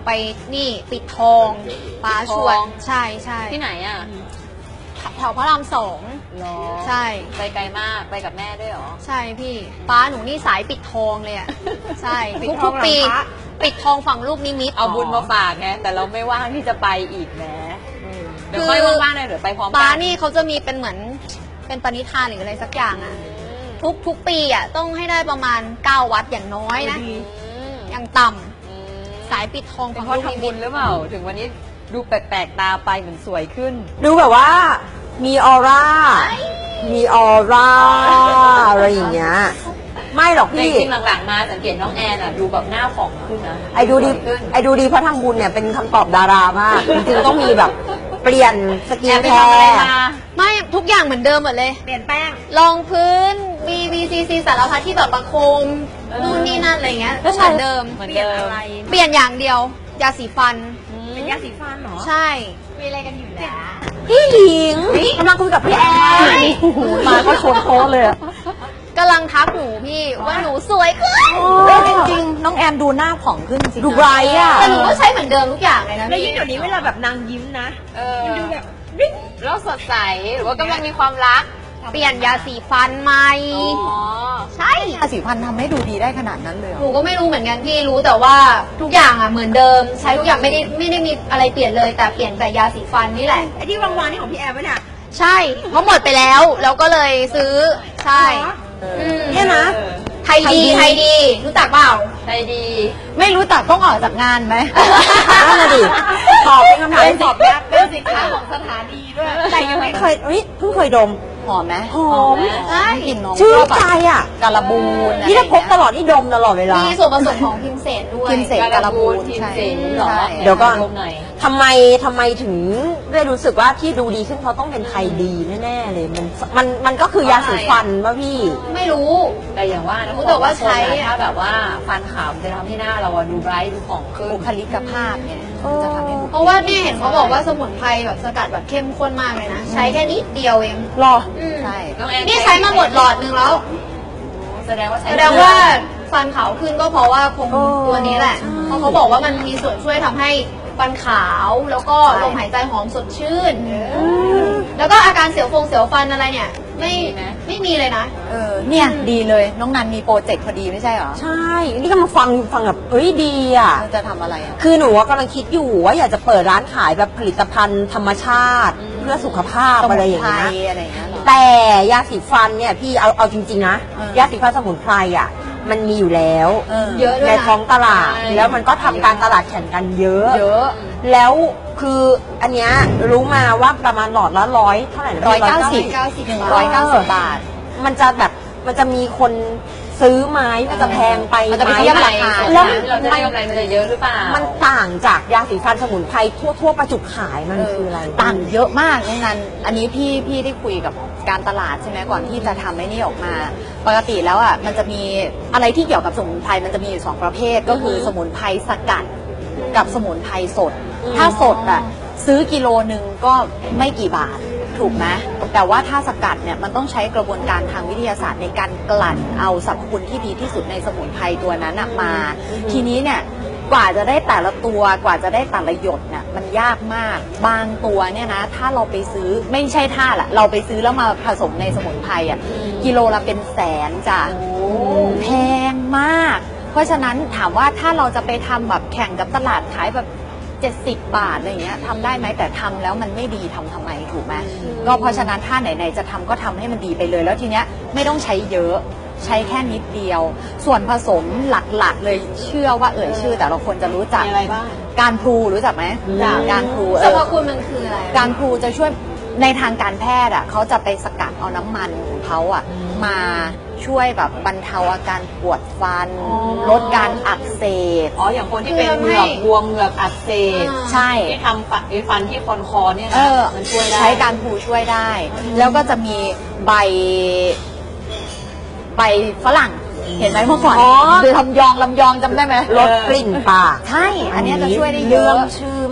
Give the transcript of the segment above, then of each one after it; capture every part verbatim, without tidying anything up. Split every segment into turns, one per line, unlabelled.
ไปนี่ปิดทองป้าชวนใช่ใช่
ที่ไหนอ่ะ
แถวพระรามสองใช่
ไปไกลมากไปกับแม่ด้วยหรอ
ใช่พี่ป้าหนูนี่สายปิดทองเลยอ่ะใช่ทุกๆปีปิดทองฝั่งลูกนิมิต
เอาบุญมาฝากไงแต่เราไม่ว่างที่จะไปอีกนะเดี๋ยวค่อยว่างๆเลยเดี๋ยวไปพร้อมกัน
ป้านี่เขาจะมีเป็นเหมือนเป็นปณิธานหรืออะไรสักอย่างอ่ะทุกทุกปีอ่ะต้องให้ได้ประมาณเก้าวัดอย่างน้อยนะอย่างต่ำสายปิดทอง
เพราะทำบุญหรือเปล่าถึงวันนี้ดูแปลกๆตาไปเหมือนสวยขึ้น
ดูแบบว่ามีออร่ามีออร่าอะไรอย่างเงี้ยไม่หรอกพี่
จริงๆหลังๆมาสังเกตน้องแอนอ่ะดูแบบหน้าผ่องขึ้นนะ
ไอ้ดูดีไอ้ดูดีเพราะทำบุญเนี่ยเป็นคำตอบดารามากจริงๆต้องมีแบบเปลี่ยนสกินแคร์
ไม่ทุกอย่างเหมือนเดิมหมดเลย
เปลี่ยนแป้ง
รองพื้น บี บี ซี ซี สารพัดที่แบบประโคมนู่นนี่นั่นอะไรเงี้ยก็เหมือนเดิม
เหมือนเดิม
เปลี่ยนอย่างเดียวยาสีฟัน
เป็นยาสีฟันเหรอ
ใช่มีอะไรกันอยู่นะ
พี่หญิงกำลังคุยกับพี่แอนมาก็ชนโต๊ะเลย
กำลังทักหนูพี่ว่าหนูสวยขึ้น
จริงๆน้องแอนดูหน้าผ่องขึ้นจริงดูไบรท์อะ
แต่หนูก็ใช้เหมือนเดิมทุกอย่างเลยนะ
แล้วยิ่งเดี๋ยวนี้เวลาแบบนางยิ้มนะมันดูแบบ
แล้วสดใสหรือว่ากำลังมีความรัก
เปลี่ยนยาสีฟันใหม่ใช่
ยาสีฟันทำให้ดูดีได้ขนาดนั้นเลย
หนูก็ไม่รู้เหมือนกันพี่รู้แต่ว่าทุกอย่างอะเหมือนเดิมใช้ทุกอย่างไม่ได้ไม่ได้มีอะไรเปลี่ยนเลยแต่เปลี่ยนแต่ยาสีฟันนี่แหละ
ไอ้ที่วางๆนี่ของพี่แอนวะเนี่ย
ใช่เพราะหมดไปแล้วแล้วก็เลยซื้อใช่
เนี่ยนะ
ไทยดีไทยดีรู้จักเปล่า
ไทยดี
ไม่รู้จักต้องออกจากงานไหมนั่นแหละดิตอบเป็นคำถาม
ตอบแบบเป็นสินค้าของสถานีด้วย
แต่ยังไม่เคยเฮ้ยเพิ่งเคยดม
หอมไหม
หอม
ใช่
กลิ่นน้องชื่นใจอ่ะ
การะบูน
นี่ถ้าพกตลอดนี่ดมตลอดเวลา
มีส่วนผสมของพิมเสนด้วย
พิมเสนการะบูน
ใช่
เดี๋ยวก่อนทำไมทำไมถึงได้รู้สึกว่าที่ดูดีขึ้นเพราะต้องเป็นไทยดีแน่ๆเลยมันมันมันก็คือยาสีฟันป่ะพี่
ไม่รู้
แต่อย่างว่านะ
แต่ว่าใช้
ถ้าแบบว่าฟันขาวจะทำให้หน้าเราดูไบรท์ดูผ่องขึ้น
บุคลิกภาพเนี่ยจะทำให้
เพราะว่าเนี่ยเห็นเขาบอกว่าสมุนไพรแบบสกัดแบบเข้มข้นมากเลยนะใช้แค่นิดเดียวเอง
หรอ
ใช่นี่ใช้มาหมดหลอดนึงแล้ว
แสดงว่า
แสดงว่าฟันขาวขึ้นก็เพราะว่าคงตัวนี้แหละเพราะเขาบอกว่ามันมีส่วนช่วยทำให้ฟันขาวแล้วก็ลมหายใจหอมสดชื่นแล้วก็อาการเสียวฟงเสียวฟันอะไรเนี่ยไม่ไม่มีเลยนะ
เออเนี่ยดีเลยน้องนันมีโปรเจกต์พอดีไม่ใช่เหรอใช่นี่ก็มาฟังฟังแบบเอ้ยดีอ่ะจะทำอะไรอ่ะคือหนูกำลังคิดอยู่ว่าอยากจะเปิดร้านขายแบบผลิตภัณฑ์ธรรมชาติเพื่อสุขภาพอะไรอย่างเงี้ยแต่ยาสีฟันเนี่ยพี่เอาเอาจริงๆนะยาสีฟันสมุนไพรอ่ะมันมีอยู่แล้วในท้องตลาดแล้วมันก็ทำการตลาดแข่งกันเยอะเยอะแล้วคืออันเนี้ยรู้มาว่าประมาณหลอดละร้อยเท่าไหร่
ร้อยเก้าสิบหนึ่งร้อยเก้าสิบบาท
มันจะแบบมันจะมีคนซื้อไหมมันจะแพงไป
มันจะไป
ไหม
เทียบราคา
แล้วเราจะได้กำไรมันจะเยอะหรือเปล่า
มันต่างจากยาสีฟันสมุนไพรทั่วทั่วประจุขายมันคืออะไร
ต่างเยอะมากนั่นอันนี้พี่พี่ได้คุยกับการตลาดใช่ไหมก่อนที่จะทำไอ้นี่ออกมาปกติแล้วอ่ะมันจะมีอะไรที่เกี่ยวกับสมุนไพรมันจะมีอยู่สองประเภทก็คือสมุนไพรสกัดกับสมุนไพรสดถ้าสดอ่ะซื้อกิโลหนึ่งก็ไม่กี่บาทถูกไหมแต่ว่าถ้าสกัดเนี่ยมันต้องใช้กระบวนการทางวิทยาศาสตร์ในการกลั่นเอาสรรพคุณที่ดีที่สุดในสมุนไพรตัวนั้นมา ทีนี้เนี่ยกว่าจะได้แต่ละตัวกว่าจะได้แต่ละหยดเนี่ยมันยากมากบางตัวเนี่ยนะถ้าเราไปซื้อไม่ใช่ท่าละเราไปซื้อแล้วมาผสมในสมุนไพรอ่ะกิโลละเป็นแสนจ้ะแพงมากเพราะฉะนั้นถามว่าถ้าเราจะไปทำแบบแข่งกับตลาดขายแบบเจ็ดสิบบาทอะไรเงี้ยทำได้ไหมแต่ทำแล้วมันไม่ดีทำทำไมถูกไหมก็เพราะฉะนั้นถ้าไหนๆจะทำก็ทำให้มันดีไปเลยแล้วทีเนี้ยไม่ต้องใช้เยอะใช้แค่นิดเดียวส่วนผสมหลักๆเลยเชื่อว่าเอ่ยชื่อแต่ละคนจะรู้จัก
อะไรบ้าง
การพลูรู้จักไหมการพลู
สรรพคุณมันคืออะไร
การพลูจะช่วยในทางการแพทย์อ่ะเขาจะไปสกัดเอาน้ำมันของเขาอ่ะมาช่วยแบบบรรเทาอาการปวดฟันลดการอักเสบ
อ๋ออย่างคนที่เป็นเหงือกบวมเหงือกอักเสบ
ใช่
ที่ทำฟันฟันที่คอนคอเนี่ยนะมันช่วยได้
ใช้การพลูช่วยได้แล้วก็จะมีใบใบฝรั่งเห็นไหมเมื่อก่อนคือลำยองลำยองจำได้ไหม
ลดกลิ่นปาก
ใช่อันนี้จะช่วยได้เยอะ
ชื่อม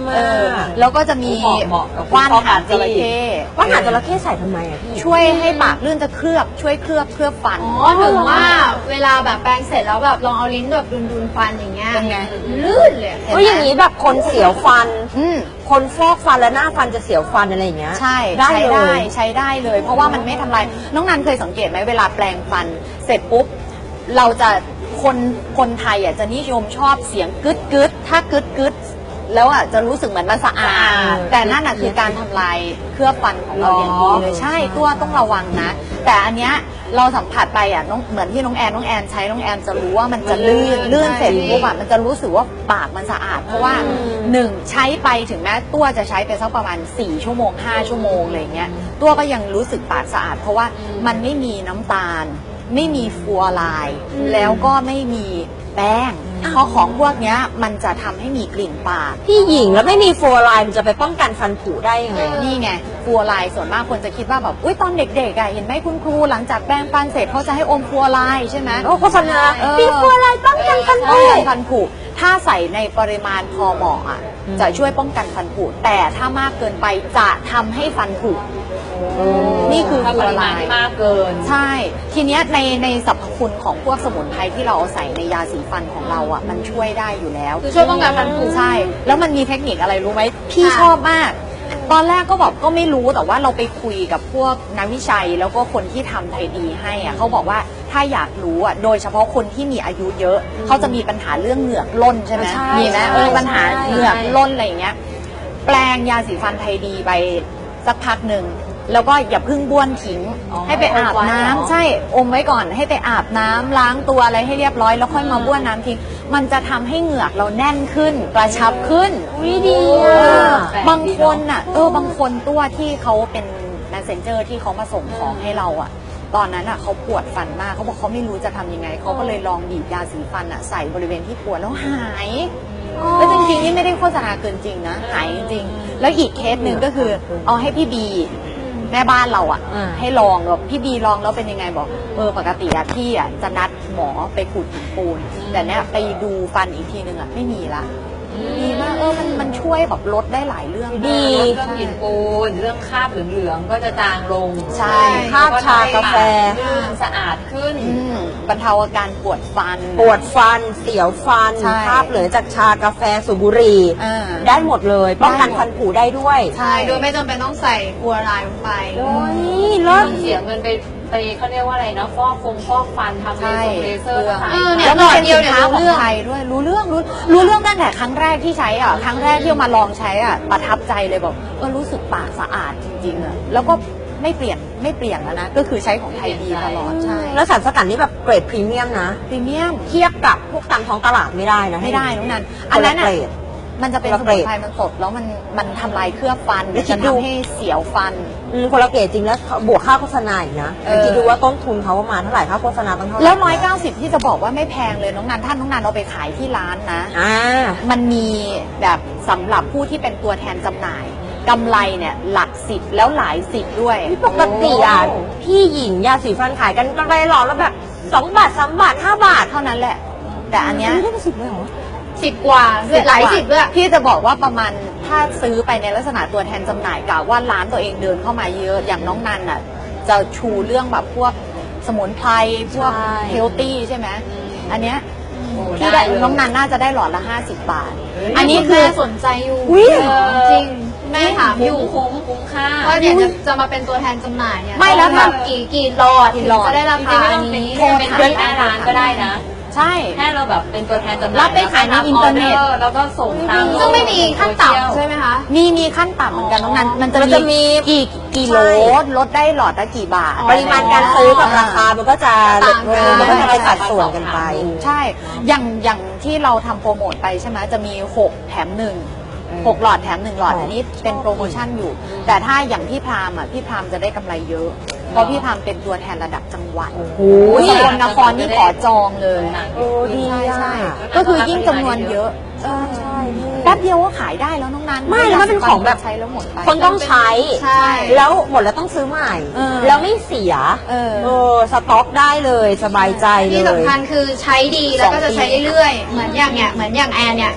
มา
เออก แล้วก็จะมี
เหมาะกับ
ว่าน
พ่อ
หางจระเข้
ว่านหางจระเข้ใส่ทำไมอะพี่
ช่วยให้ปากลื่นจะเคลือบช่วยเคลือบเคลือบฟัน
อ๋อถึงว่าเวลาแบบแปรงเสร็จแล้วแบบลองเอาลิ้นแบบดุนๆฟันอย่างเงี้ย
เป็นไง
ลื่นเลย
ก็อย่างนี้แบบคนเสียวฟัน
อืม
คนฟอกฟันแล้วหน้าฟันจะเสียวฟันอะไรอย่างเงี้ย
ใช่
ได้
ใช้
เล
ได้
ย
ใช้ได้เลย เพราะว่ามันไม่ทำลายน้องนันเคยสังเกตไหมเวลาแปลงฟันเสร็จปุ๊บเราจะคนคนไทยอ่ะจะนิยมชอบเสียงกึดกึดถ้ากึดกึดแล้วอ่ะจะรู้สึกเหมือนมันสะอา
สะอา
ด
ด
แต่นั่นอ่ะคือการทำลายเคลือบฟันของเราอย่างดีเลยใช่ตัวต้องระวังนะ แต่อันเนี้ยเราสัมผัสไปอ่ะน้องเหมือนที่น้องแอนน้องแอนใช้น้องแอนจะรู้ว่ามันจะลื่นลื่นเสร็จปุ๊บอ่ะมันจะรู้สึกว่าปากมันสะอาดเพราะว่าหนึ่งใช้ไปถึงแม้ตัวจะใช้ไปสักประมาณสี่ชั่วโมงห้าชั่วโมงอะไรเงี้ยตัวก็ยังรู้สึกปากสะอาด เพราะว่ามันไม่มีน้ำตาล ไม่มีฟลูออไรด์แล้วก็ไม่มีแป้งเพราะของพวกเนี้ยมันจะทำให้มีกลิ่นปาก
พี่หญิงแล้วไม่มีฟลูออไรด์มันจะไปป้องกันฟันผุได้ยังไง
นี่ไงฟลูออไรด์ส่วนมากคนจะคิดว่าแบบอุ้ยตอนเด็กๆอ่ะเห็นไหมคุณครูหลังจากแปรงฟันเสร็จเขาจะให้อมฟลูออไรด์ใช่ไหม
โอ้โฆษณา
เออ
มีฟลูออไรด์ป้องกันฟันผุ
ป้องกันฟันผุถ้าใส่ในปริมาณพอเหมาะอ่ะจะช่วยป้องกันฟันผุแต่ถ้ามากเกินไปจะทำให้ฟันผุนี่คือ
ถ้า
ฟ
ป
ลูออ
ริ
ไร
มาณที่
ด์
มากเกิน
ใช่ ทีเนี้ยในในสรรพคุณของพวกสมุนไพรที่เราเอาใส่ในยาสีฟันของเราอ่ะมันช่วยได้อยู่แล้ว
คือช่วยป้องกันฟันผุ
ใช่ แล้วมันมีเทคนิคอะไรรู้ไหมพี่
ค่ะ
ชอบมาก ตอนแรกก็แบบก็ไม่รู้แต่ว่าเราไปคุยกับพวกนักวิจัยแล้วก็คนที่ทำไทยดีให้อ่ะเขาบอกว่าถ้าอยากรู้อ่ะโดยเฉพาะคนที่มีอายุเยอะเขาจะมีปัญหาเรื่องเหงือกล้นใช่ไหม
ใช่
มีไหม
ใช่
เออปัญหา
ใช่
เหงือกล้นอะไรอย่างเงี้ย แปลงยาสีฟันไทยดีไปสักพักหนึ่งแล้วก็อย่าเพึ่งบ้วนทิ้ง
อ๋อ
ให้ไปอาบ
อมไว้
น้ำ
เหรอ
ใช่อมไว้ก่อนให้ไปอาบน้ำล้างตัวอะไรให้เรียบร้อยแล้วค่อยมาบ้วนน้ำทิ้งมันจะทำให้เหงือกเราแน่นขึ้นกระชับขึ้น
อุ๊ยดี
เอ
อ่ะ
อบางคนอ่ะเออบางคนตัวที่เขาเป็น messenger ที่เขามาส่งของให้เราอ่ะ ตอนนั้นอ่ะเขาปวดฟันมากเขาบอกเขาไม่รู้จะทำยังไงเขาก็เลยลองบีบยาสีฟันอ่ะใส่บริเวณที่ปวดแล้วหายแล้วจริงๆนี่ไม่ได้โฆษณาเกินจริงนะหายจริงๆแล้วอีกเคสหนึ่งก็คือเอาให้พี่บีแม่บ้านเราอ่ะ
อ่า
ให้ลองแบบพี่บีลองแล้วเป็นยังไงบอกเออปกติอะพี่อะจะนัดหมอไปขูดหินปูน แต่เนี้ยไปดูฟันอีกทีนึงอะไม่มีละดีมากเออมันมันช่วยแบบลดได้หลายเรื่อง
ดี
เรื่องกลิ่นปูนเรื่องคราบเหลืองๆก็จะจางลง
ใช่
คราบชากาแฟ
ลื่นสะอาดขึ้น
อืมบรรเทาอาการปวดฟัน
ปวดฟันเสียวฟัน
ใช่
คราบเหลือจากชากาแฟสูบบุหรี่
อ่า
ได้หมดเลย ป้องกันฟันผุได้ด้วย
ใช่
โดยไม่จำเป็นต้องใส่ฟลูออไรด์ลงไป
โอ้ย
เริ่
เลิศ
มเสียเงินไปไปเขาเรียกว่าอะไรนะฟอกฟงฟอกฟันทำเล
ใช่
เซอร์เลเซอร์
เรื่อง
ต่าง
เออ
ๆ
เนี่ย
แล้วมันเป็น
หลอดเดียว
สิน
เนี่ย
ค้าข
รู้
อง
เรื่อง
ไทยด้วยรู้เรื่องรู้รู้เรื่องตั้งแต่ครั้งแรกที่ใช้อ่ะครั้งแรกที่เอามาลองใช้อ่ะประทับใจเลยบอกเออรู้สึกปากสะอาดจริงๆอ่ะแล้วก็ไม่เปลี่ยนไม่เปลี่ยนแล้วนะก็คือใช้ของไทยดีตลอดใช่
แล้วสารสกัดนี่แบบเกรดพรีเมียมนะ
พรีเมียม
เทียบกับพวกตามท้องตลาดไม่ได้นะ
ไม่ได้น้องนัน
ค
อัน
น
นั้
ละ
น
เก
อ่ะ
รด
มันจะเป็น
คน
ส
ละเกร
มุน
ด
ไพรมันสดแล้วมันมันทำลายเคลือบฟัน
แล้วคิ
จะ
ดดู
ทำให้เสียวฟัน
อืมคนละเกรดจริงแล้วบวกค่าโฆษณาอีกนะ
เออ
คิดดูว่าต้นทุนเขาประมาณเท่าไหร่ค่าโฆษณาต้องเท่าไหร่
แล้วร้อยเก้าสิบที่จะบอกว่าไม่แพงเลยน้องนันท่านน้องนันเอาไปขายที่ร้านนะ
อ่า
มันมีแบบสำหรับผู้ที่เป็นตัวแทนจำหน่ายกำไรเนี่ยหลักสิบแล้วหลายสิบด้วย
ปกติอ่ะพี่หญิงยาสีฟันขายกันกำไรหลอดแล้วแบบสองบาทสามบาทห้าบาท
เท่านั้นแหละ แต่อันเนี้ย
ไม่ได้สิบเลยเหรอ
สิบกว่าหลายสิบด้วย
พี่จะบอกว่าประมาณถ้าซื้อไปในลักษณะตัวแทนจำหน่ายกะว่าร้านตัวเองเดินเข้ามาเยอะอย่างน้องนันอ่ะจะชูเรื่องแบบพวกสมุนไพรพวก
ใช่
เฮลตี้ใช่ไหมอันเนี้ย
โอ้
พี่
ได้
ได้
เลย
น้องนันน่าจะได้หลอดละห้าสิบบาท
อั
อั
น
น
นี้
นี้
คื
คือ อ
สนใจอยู่
อุ๊ย
เออจริงแม่ถามอ
คุ้
ยู่
มคุ้มคุ้มค่า
ว่าเนี่ยจะจะมาเป็นตัวแทนจำหน่ายเนี่ย
ไม่แล้ว
ต้
ถ้า
องกี่กี่หลอด
กี่
ถึง
หลอด
จะได้รา
จริ
คาง
ๆไม่ต้องเป็น
นี้
ไม่ต้องเป็นที่หน้าร้านก็ได้นะ
ใช่
แค่เราแบบเป็นตัวแทนจำหน่าย
รับไปขายในอินเทอร์เน็ต
แล้วก็ส่งตาม
ซึ่งไม่มีขั้นต่ำใช่ไหมคะ
มีมีขั้นต่ำเหมือนกันน้องนันมันจะ
มันจะมี
กี่กี่โล
ใช่
ลดได้หลอดละกี่บาท
ปริมาณการซื้อกับราคามันก็จะ
ต่างกัน
มันก็จะไปสัดส่วนกันไป
ใช่ อย่างอย่างที่เราทำโปรโมทไปใช่ไหมจะมีหกแถมหนึ่งหกหลอดแถมหนึ่งหลอด
อ๋ออั
อันนี้เป็นโปรโมชั่นอยู่ แต่ถ้าอย่างพี่พรามอ่ะพี่พรามจะได้กำไรเยอะ เพราะพี่พรามเป็นตัวแทนระดับจังหวัด
โอ้โห
สกลนครนี่ขอจองเลย
โอ้ดี
ใช่
อ่ะ
ใช่ก็คือยิ่งจำนวนเยอะ
ใช่ใช่พี่
แป๊บเดียวก็ขายได้แล้วน้องนัน
ไม่แล้วมันเป็นของแบบ
ใช้แล้วหมดไป
คนต้องใช้
ใช่
แล้วหมดแล้วต้องซื้อใหม่
เออ
แล้วไม่เสีย
เออ
เออสต็อกได้เลยสบายใจเล
ที่
ย
สำคัญคือใช้ดีแล้วก็จะใช้เรื่อยๆ เหมือนอย่างเนี้ยเหมือนอย่างแอนเนี่ย ใ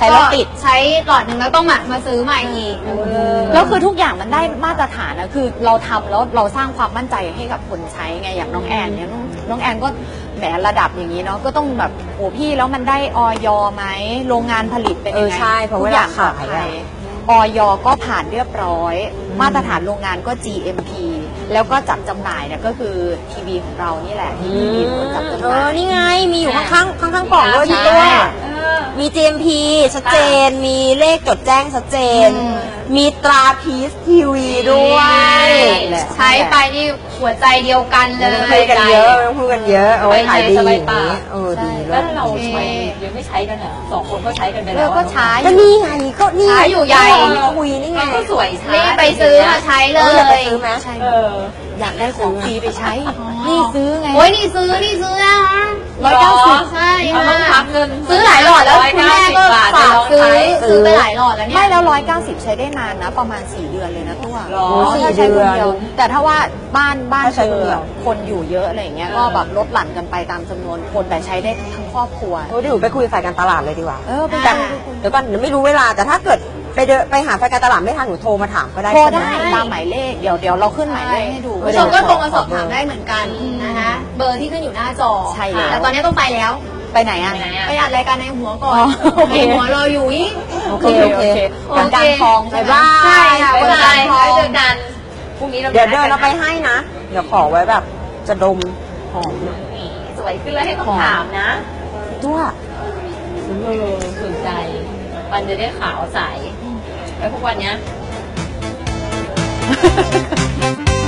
ช้แล้วติด
ใช้หลอดหนึ่งแล้วต้องมามาซื้อใหม่อีก
แล้วคือทุกอย่างมันได้มาตรฐานนะคือเราทำแล้วเราสร้างความมั่นใจให้กับคนใช้ไงอย่างน้องแอนเนี่ยน้องน้องแอนก็แหมระดับอย่างนี้เนาะก็ต้องแบบโอ้พี่แล้วมันได้ออยไหมโรงงานผลิตเป็นยังไง
เออใช่เพราะ
ทุก
เว
อ
ลา
ย่าง
ขาย
ปลอดภั
อะ
ออยก็ผ่านเรียบร้อย มาตรฐานโรงงานก็ จี เอ็ม พี แล้วก็จัดจำหน่ายเนี่ยก็คือทีวีของเรานี่แหละที่มีคนจัดจำห
เอ
น่า
อย นี่ไงมีอยู่ข้างๆข้างๆกล่องด้วย
ใช่
พี่ตัวมี จี เอ็ม พี ชัดเจน มีเลขจดแจ้งชัดเจน
อืม
มีตราพีซทีวีด้วย
ใช้ไปนี่หัวใจเดียวกันเล
ไม่
ย
ต้องพูดกันเยอะไม่ต้องพูดกันเยอะเอาไว้ขายดีอย่างนี้เออดี
แล้
แล้ว ว
เราใช้ยังไม่ใช้กันอ่ะสองคนก็ใช้กันไป
เอ
แล้
อ
ว
ก็ใช้
ก็นี่ไงก็นี่
ขายอยู่ใหญ่
คุยนี่ไง
มันก็สวยช้า
นี่ไปซื้อมาใช้เล
เอออยากไป
ย
ซื้อไหม
ใช่
เออ
อยากได้ของฟรีไปใช้ นี่ซื้อไง
โอ้ยนี่ซื้อนี่ซื้อนะคะ
ร้อยเก้าสิบ
ใช่
เอาต้องพักเงิน
ซื้อหลายหลอดแล้วคุณแม่ก็ฝากซื้อ
ซื้อ
ซื้อไปหลายหลอดแล้วเนี่ย
ไม่แล้วร้อยเก้าสิบใช้ได้นานนะ ประมาณสี่เดือนเลยนะตัว
หรอ
ถ้าใช้คนเดียว
สี่เดือน
แต่ถ้าว่าบ้านบ้าน
ถ้าใช้
เธ
คนเดียว
อคนอยู่เยอะอะไรอย่างเงี้ย
เออ
ก็แบบลดหลั่นกันไปตามจำนวนคนแต่ใช้ได้ทั้งครอบครัว
โอ้ยเดี๋ยวหนูไปคุยฝ่ายการตลาดเลยดีกว่า
เออไป
แต่
คุย
เดี๋ยวก่อนเดี๋ยวไม่รู้เวลาแต่ถ้าเกิดไปเดินไปหาฝ่ายการตลาดไม่ทันหนูโทรมาถามก็ได้
โทร
ใช่ไหม
ได้ตามหมายเลข เดี๋ยวเดี๋ยวเราขึ้นหมายเลขให้ดู
คุณผู้ชมก็โทรมาสอบถามได้เหมือนกันนะคะเบอร์ที่ขึ้นอยู่หน้าจอ
ใช่แล้ว
แต่ตอนนี้ต้องไปแล้ว
ไปไหนอ่ะ
ไปไหนอะ
ไปอัดรายการในหัวก่อ
อ๋
น
อโอเค
ในหัวรออยู่อีก
โอเคโอเค
วันการทองใช่
บ๊าย
ไหม
บาย
ใช่ค่ะ
บ๊าย
วัน
บา
จัน
ย
ทร์ทอง
ไว้เจอกันพรุ่งนี้เรา
เดี๋ยวเดินเราไปให้นะ เดี๋ยวขอไว้แบบจะดมหอมหน่อย
สวยขึ้นแล้วให้ต้องถามนะ
ตัว
เออสนใจมันจะได้ขาวใสแล้วทุกวันเนี้ย